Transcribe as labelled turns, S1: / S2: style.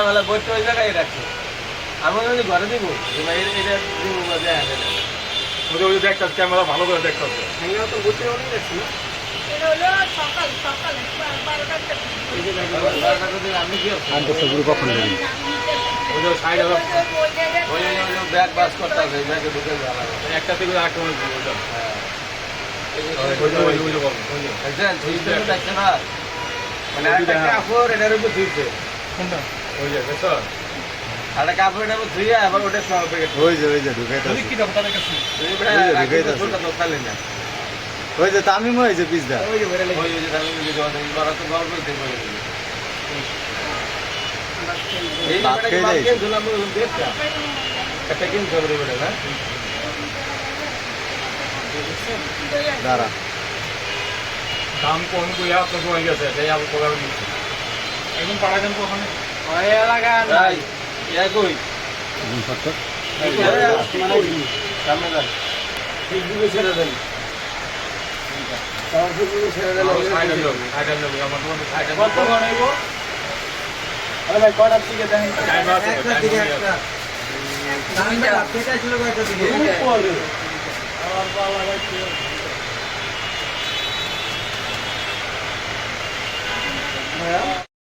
S1: বেলা বইটা ওই জায়গায় রাখছে। আমি যদি ঘরে দিব যে ভাই এটা দিব বা যায় না।
S2: ওই দেখতে ক্যামেরা ভালো করে দেখতে হবে।
S1: হ্যাঙ্গা তো বইটা অনেক রাখছি না।
S3: এটা হলো সকাল 12টার
S1: এই যে বারোটা যদি আমি কি করছি?
S4: আন্তঃসবুর কখন দেবেন?
S2: ওই যে সাইড হবে
S1: ওই ব্যাগ বাস করতে হবে, ব্যাগে ঢুকে ভালো হবে।
S2: একটা থেকে আরেকটা মনে হয় ওইটা।
S1: হ্যাঁ।
S2: ওই যে বলো।
S1: দেখছেন? থুইতে তো দেখছে না। মানে একটা কাপড় এটার উপর থুইছে।
S2: কোনটা? ওই যে দেখছো?
S1: আর একটা কাপড় এটার উপর থুইয়া আবার ওটা সহ প্যাকেট।
S4: ওই যে ঢুকাইতে
S2: ওই কি দাও তাদের কাছে?
S1: ওই
S4: ঢুকাইতে আছে।
S1: ছোটটা তো খালি না।
S4: ওই যে তামিম হয়েছে পিসদা।
S1: ওই যে তাহলে ওই যে জোয়ান বড় তো গল্পই থেকে বলে দিল। এই
S4: ভাত
S1: ব্যাপারটা
S4: খেয়ে
S1: কি
S4: যাই।
S1: কেন দিলাম ওই দেখটা? একটা কেন খবর বেটা না?
S4: দাঁড়া।
S2: দাম কম কইয়া তো হয়ে গেছে তাই আবার প্রোগ্রাম দিচ্ছে এখন পাড়া গান ওখানে
S1: ওই এলাকা নাই। ইয়া কই?
S4: সত্তর।
S1: সামনে যান। ফেসবুকে ছেড়ে দেন। আমার ফেসবুকে ছেড়ে দেন।
S2: সাইড হলো আমার তোমার সাইড
S1: কত বানাইব? আরে ভাই কয়টার দিকে দেখেন?
S2: টাইম আছে
S1: দুই পরে। আমার বাবা ভাই